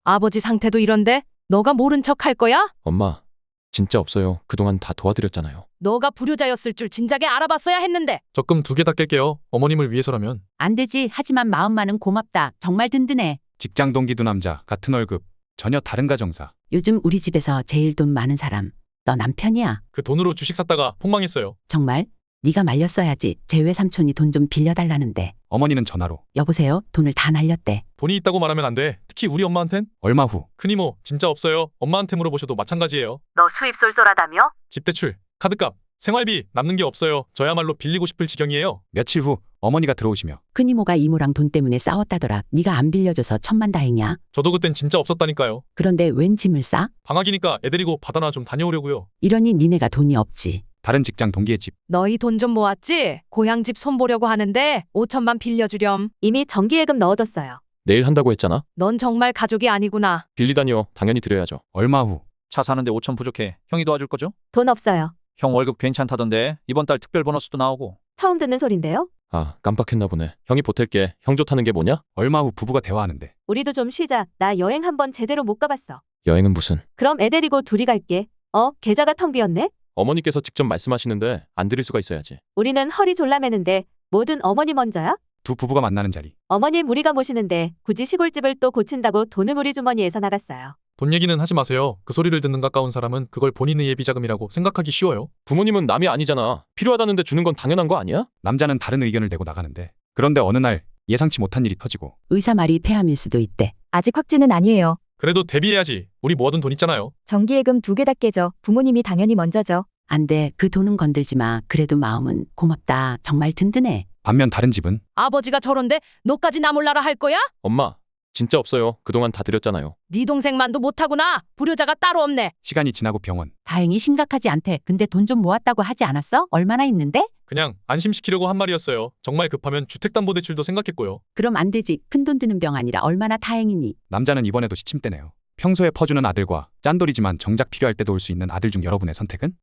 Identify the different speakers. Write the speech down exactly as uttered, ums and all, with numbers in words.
Speaker 1: 아버지 상태도 이런데 너가 모른 척 할 거야?
Speaker 2: 엄마, 진짜 없어요. 그동안 다 도와드렸잖아요.
Speaker 1: 너가 불효자였을 줄 진작에 알아봤어야 했는데.
Speaker 3: 적금 두 개 다 깰게요. 어머님을 위해서라면.
Speaker 4: 안 되지. 하지만 마음만은 고맙다. 정말 든든해.
Speaker 5: 직장 동기 두 남자, 같은 월급, 전혀 다른 가정사.
Speaker 4: 요즘 우리 집에서 제일 돈 많은 사람. 너 남편이야.
Speaker 3: 그 돈으로 주식 샀다가 폭망했어요.
Speaker 4: 정말? 네가 말렸어야지. 제 외삼촌이 돈 좀 빌려달라는데.
Speaker 5: 어머니는 전화로.
Speaker 4: 여보세요? 돈을 다 날렸대.
Speaker 3: 돈이 있다고 말하면 안 돼. 특히 우리 엄마한텐.
Speaker 5: 얼마 후.
Speaker 3: 큰이모, 진짜 없어요. 엄마한테 물어보셔도 마찬가지예요.
Speaker 1: 너 수입 쏠쏠하다며?
Speaker 3: 집 대출, 카드값, 생활비 남는 게 없어요. 저야말로 빌리고 싶을 지경이에요.
Speaker 5: 며칠 후 어머니가 들어오시며
Speaker 4: 큰이모가 이모랑 돈 때문에 싸웠다더라. 네가 안 빌려줘서 천만다행이야.
Speaker 3: 저도 그땐 진짜 없었다니까요.
Speaker 4: 그런데 웬 짐을 싸?
Speaker 3: 방학이니까 애 데리고 바다나 좀 다녀오려고요.
Speaker 4: 이러니 니네가 돈이 없지.
Speaker 5: 다른 직장 동기의 집.
Speaker 1: 너희 돈 좀 모았지? 고향 집 손보려고 하는데 오천만 빌려주렴.
Speaker 6: 이미 정기예금 넣어뒀어요.
Speaker 2: 내일 한다고 했잖아.
Speaker 1: 넌 정말 가족이 아니구나.
Speaker 2: 빌리다니요. 당연히 드려야죠.
Speaker 5: 얼마 후.
Speaker 7: 차 사는데 오천 부족해. 형이 도와줄 거죠?
Speaker 6: 돈 없어요.
Speaker 7: 형 월급 괜찮다던데 이번 달 특별 보너스도 나오고.
Speaker 6: 처음 듣는 소린데요?
Speaker 2: 아, 깜빡했나 보네. 형이 보탤게. 형 좋다는 게 뭐냐?
Speaker 5: 얼마 후 부부가 대화하는데.
Speaker 6: 우리도 좀 쉬자. 나 여행 한번 제대로 못 가봤어.
Speaker 2: 여행은 무슨?
Speaker 6: 그럼 애 데리고 둘이 갈게. 어? 계좌가 텅 비었네?
Speaker 2: 어머니께서 직접 말씀하시는데 안 드릴 수가 있어야지.
Speaker 6: 우리는 허리 졸라매는데 뭐든 어머니 먼저야?
Speaker 5: 두 부부가 만나는 자리.
Speaker 6: 어머님 우리가 모시는데 굳이 시골집을 또 고친다고 돈은 우리 주머니에서 나갔어요.
Speaker 3: 돈 얘기는 하지 마세요. 그 소리를 듣는 가까운 사람은 그걸 본인의 예비자금이라고 생각하기 쉬워요.
Speaker 2: 부모님은 남이 아니잖아. 필요하다는데 주는 건 당연한 거 아니야?
Speaker 5: 남자는 다른 의견을 내고 나가는데. 그런데 어느 날 예상치 못한 일이 터지고.
Speaker 4: 의사 말이 폐암일 수도 있대.
Speaker 8: 아직 확진은 아니에요.
Speaker 3: 그래도 대비해야지. 우리 모아둔 돈 있잖아요.
Speaker 8: 정기예금 두 개 다 깨져. 부모님이 당연히 먼저죠.
Speaker 4: 안 돼. 그 돈은 건들지 마. 그래도 마음은 고맙다. 정말 든든해.
Speaker 5: 반면 다른 집은.
Speaker 1: 아버지가 저런데 너까지 나 몰라라 할 거야?
Speaker 2: 엄마, 진짜 없어요. 그동안 다 드렸잖아요.
Speaker 1: 네 동생만도 못하구나. 불효자가 따로 없네.
Speaker 5: 시간이 지나고 병원.
Speaker 4: 다행히 심각하지 않대. 근데 돈 좀 모았다고 하지 않았어? 얼마나 있는데?
Speaker 3: 그냥 안심시키려고 한 말이었어요. 정말 급하면 주택담보대출도 생각했고요.
Speaker 4: 그럼 안 되지. 큰 돈 드는 병 아니라 얼마나 다행이니.
Speaker 5: 남자는 이번에도 시침대네요. 평소에 퍼주는 아들과 짠돌이지만 정작 필요할 때도 올 수 있는 아들 중 여러분의 선택은?